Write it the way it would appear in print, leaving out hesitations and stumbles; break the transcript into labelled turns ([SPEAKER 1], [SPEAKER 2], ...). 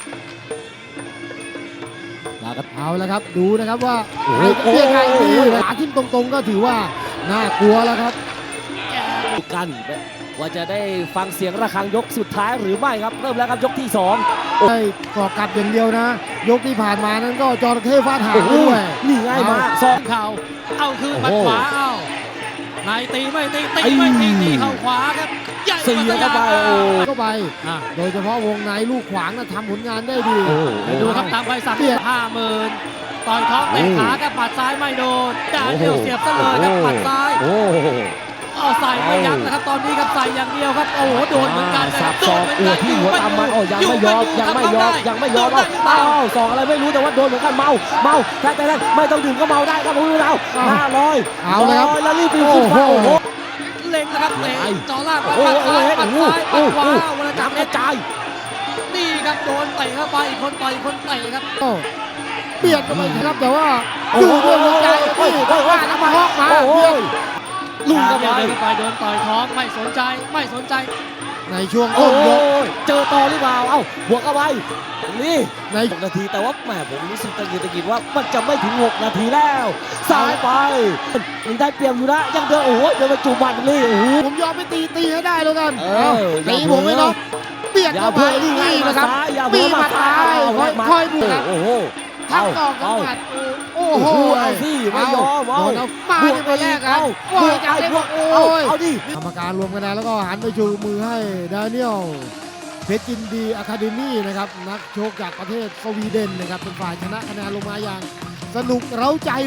[SPEAKER 1] เอาละครับดูนะครับว่าใครจะเปี้ยใครดีขาทิ่มตรงๆก็ถือว่าน่ากลัวแล้วครับ
[SPEAKER 2] กันว่าจะได้ฟังเสียงระฆังยกสุดท้ายหรือไม่ครับเริ่มแล้วครับยกที่2
[SPEAKER 1] ได้ก่อกลับอย่างเดียวนะ ยกที่ผ่านมานั้นก็จระเข้ฟาดหางด้วย
[SPEAKER 2] นี่ง่ายมากสอง
[SPEAKER 3] เข่าเอาคืนหมัดขวาเอาในตีไม่ตีไม่ตีเข่าขวาครับใหญ่
[SPEAKER 2] เสียเข้าไปโอ้
[SPEAKER 1] เข้าไป
[SPEAKER 3] อ่ะ
[SPEAKER 1] โดยเฉพาะวงในลูกขวางนะทำผลงานได้ดี
[SPEAKER 3] เดี๋ยวดูครับตามใบสั่ง50,000ต่อยท้องเตะขาครับหมัดซ้ายไม่โดนด่าเดียวเสียบซะเลยครับหมัดซ้าย
[SPEAKER 2] โอ้โห
[SPEAKER 3] เอาใส่ไม่ยั้งนะครับตอนนี้ครับใส่อย่างเดียวครับโอ้โหโดนเหมือนกันนะค
[SPEAKER 2] สั
[SPEAKER 3] รั
[SPEAKER 2] บบ ศอกอวดที่หัวตามมันโอ้ยังไม่ยอมยังไม่ยอมเอาศอกอะไรไม่รู้แต่ว่าโดนเหมือนกันเมาแต่ไม่ต้องดื่มก็เมาได้ครับคุณเรา500
[SPEAKER 1] เอาเลยครับ
[SPEAKER 2] แล้วรีบปีนขึ้นฟ้าโอ้โห
[SPEAKER 3] เล็งนะครับเตะจ่อล่าง
[SPEAKER 2] โอ้
[SPEAKER 3] ปัด
[SPEAKER 2] โห
[SPEAKER 3] ซ้ายปัดซ้ายปัดขวาเวลาจั
[SPEAKER 2] จั
[SPEAKER 3] บบ
[SPEAKER 2] กระจาย
[SPEAKER 3] นี่ครับโดนเตะเข้าไปอีกคนต่อยอีกคนเตะครับ
[SPEAKER 1] โอ้เบียดเข้าไปครับแต่ว่าอยู่ด้วยหัวใจนี่ว่าน้ำมาฮอกมาเบียด
[SPEAKER 2] ลุงกันไป
[SPEAKER 3] เดินไปโดนต่อยท้องไม่สนใจ
[SPEAKER 1] ในช่วง
[SPEAKER 2] โอ้
[SPEAKER 1] ต้น
[SPEAKER 2] โห
[SPEAKER 1] ยก
[SPEAKER 2] เจอต่อหรือเปล่าเอ้าบวกเข้าไปนี่
[SPEAKER 1] ใน
[SPEAKER 2] 6 นาทีแต่ว่าแหมผมรู้สึกตะกิดว่ามันจะไม่ถึง6 นาทีแล้วซ้ายไปยังได้เปรียบอยู่นะยังเดินโอ้โหเดินไปจูบมันนี่โอ้โห
[SPEAKER 1] ผมยอมไปตีให้ได้แล้วกัน
[SPEAKER 2] เออ
[SPEAKER 1] ตีผมไม่น็อกเบียด
[SPEAKER 2] อย่า
[SPEAKER 1] เข้าไป
[SPEAKER 2] เพิ่ง
[SPEAKER 1] นี่นะครับ
[SPEAKER 2] อย่า
[SPEAKER 1] มี
[SPEAKER 2] เพิ่ง
[SPEAKER 1] มาตายค่อยบุกครับ
[SPEAKER 2] โอ้โห
[SPEAKER 1] ทั้งสองทั้งหมัดโอ้โห
[SPEAKER 2] เอาสิไม่ยอม
[SPEAKER 1] โดนเอามาในตัวแรกครับโอ้ยจากเล็กโอ้ย
[SPEAKER 2] เอาดิ
[SPEAKER 1] กรรมการรวมคะแนนแล้วก็หันไปชูมือให้ดานิเอลเพชรจินดีอะคาเดมี่นะครับนักโชกจากประเทศสวีเดนนะครับเป็นฝ่ายชนะคะแนนลงมาอย่างสนุกเร้าใจ